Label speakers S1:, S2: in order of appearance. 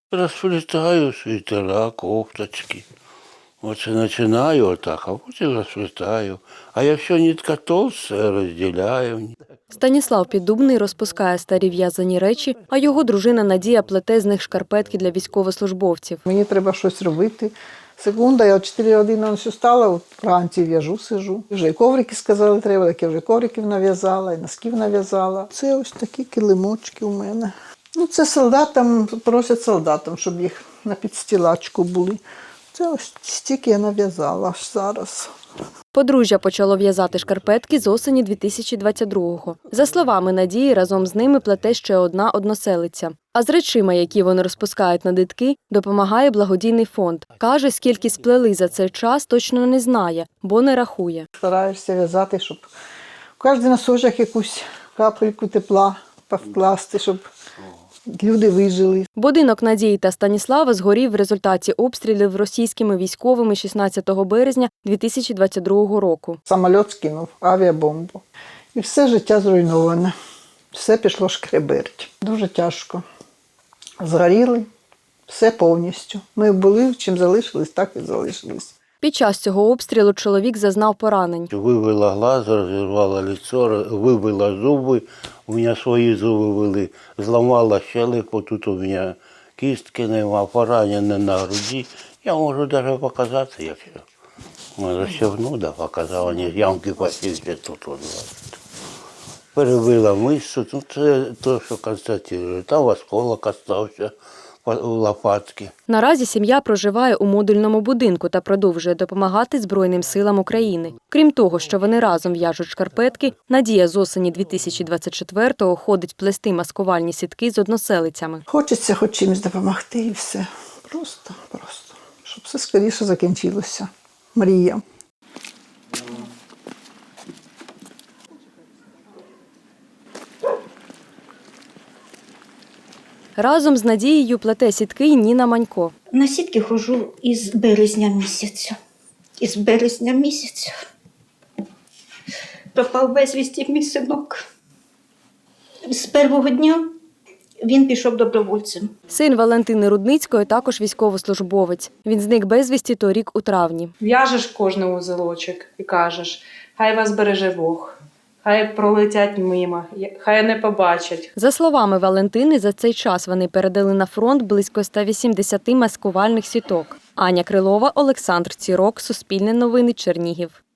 S1: Розплітаю світера, кофточки. Оце починаю отак, а потім розплітаю. А якщо нитка товста, розділяю.
S2: Станіслав Піддубний розпускає старі в'язані речі, а його дружина Надія плете з них шкарпетки для військовослужбовців.
S3: Мені треба щось робити. Секунда, я о 4 години встала, от вранці в'яжу, сижу. Вже і коврики сказали треба, так я вже ковриків нав'язала, і носків нав'язала. Це ось такі килимочки у мене. Ну, це солдатам, просять солдатам, щоб їх на підстілачку були. Це ось стільки я нав'язала аж зараз.
S2: Подружжя почало в'язати шкарпетки з осені 2022-го. За словами Надії, разом з ними плете ще одна односелиця. А з речима, які вони розпускають на дитки, допомагає благодійний фонд. Каже, скільки сплели за цей час, точно не знає, бо не рахує.
S3: Стараєшся в'язати, щоб в кожен носочок якусь капельку тепла повкласти, щоб люди вижили.
S2: Будинок Надії та Станіслава згорів в результаті обстрілів російськими військовими 16 березня 2022 року.
S3: Самоліт скинув авіабомбу. І все життя зруйноване. Все пішло шкреберть. Дуже тяжко. Згоріли все повністю. Ми були, чим залишились, так і залишились.
S2: Під час цього обстрілу чоловік зазнав поранень.
S1: Вибила глаз, розірвала лицо, вибила зуби. У мене свої зуби вили. Зламала щелепу, тут у мене кістки нема, поранення на груді. Я можу навіть показати, якщо. Розчевну, да, показала, ні, ямки посівся тут. Перебила мишцю, ну це те, що констатує. Там осколок остався у лопатки.
S2: Наразі сім'я проживає у модульному будинку та продовжує допомагати Збройним силам України. Крім того, що вони разом в'яжуть шкарпетки, Надія з осені 2024-го ходить плести маскувальні сітки з односелицями.
S3: Хочеться хоч чимось допомогти і все. Просто. Щоб все скоріше закінчилося. Мрія.
S2: Разом з Надією плете сітки й Ніна Манько.
S4: На сітки ходжу із березня місяця. Із березня місяця. Пропав безвісті мій синок. З першого дня він пішов добровольцем.
S2: Син Валентини Рудницької також військовослужбовець. Він зник безвісті торік у травні.
S5: В'яжеш кожний узелочок і кажеш, хай вас береже Бог, хай пролетять мимо, хай не побачать.
S2: За словами Валентини, за цей час вони передали на фронт близько 180 маскувальних сіток. Аня Крилова, Олександр Цірок, Суспільне новини, Чернігів.